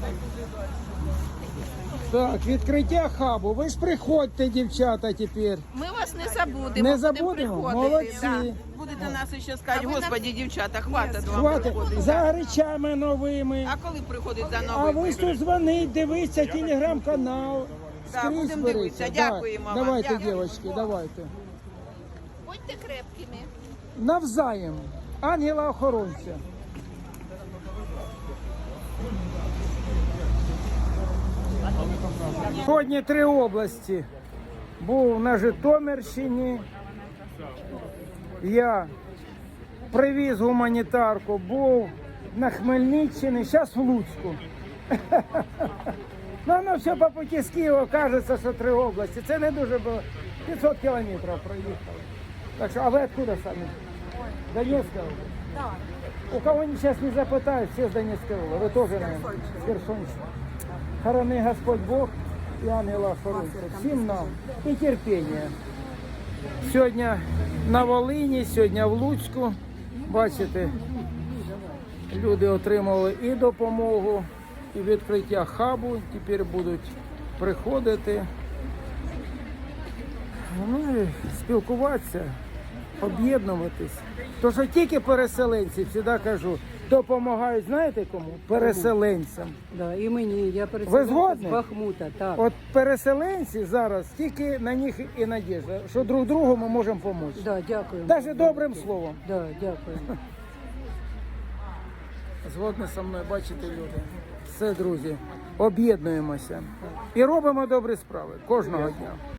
Так, відкриття хабу. Ви ж приходьте, дівчата, тепер. Ми вас не забудемо. Не будемо забудемо? приходити, Молодці. да. Будете нас ще сказати, А ви господі, дівчата, хватить вам Хватить приходити. за речами новими. А коли приходить за А новими? ви ж тут дзвонить, дивіться, телеграм-канал. Да, Скрізь будемо беріться. дивитися. Да. Дякуємо вам. Давайте, Дякую. дівчатки, давайте. Будьте крепкими. Навзаєм. Ангела-охоронця. Сьогодні 3 області. Був на Житомирщині. Я привіз гуманітарку, був на Хмельниччині, зараз в Луцьку. Ну, воно все по путі з Києва, кажеться, що 3 області. Це не дуже було. 500 кілометрів проїхали. Так що, а ви откуда самі? Донецька область? Так. У кого сейчас не запитають, всі з Донецької області. Ви теж, наверное, з Херсонщини. Хорони Господь Бог і ангела охоронця. Всім нам і терпіння. Сьогодні на Волині, сьогодні в Луцьку. Бачите, люди отримали і допомогу, і відкриття хабу. Тепер будуть приходити. Ну і спілкуватися, об'єднуватись. То, що тільки переселенці, завжди кажу, допомагають, знаєте кому? Переселенцям. Да, і мені, я Ви переселенка згодні? з Бахмута, так. От переселенці зараз, тільки на них і надіжда, що друг другу ми можемо допомогти. Да, дякую. Навіть добрим словом. Да, дякую. Згодні зі мною, бачите, люди. Все, друзі, об'єднуємося і робимо добрі справи кожного дня.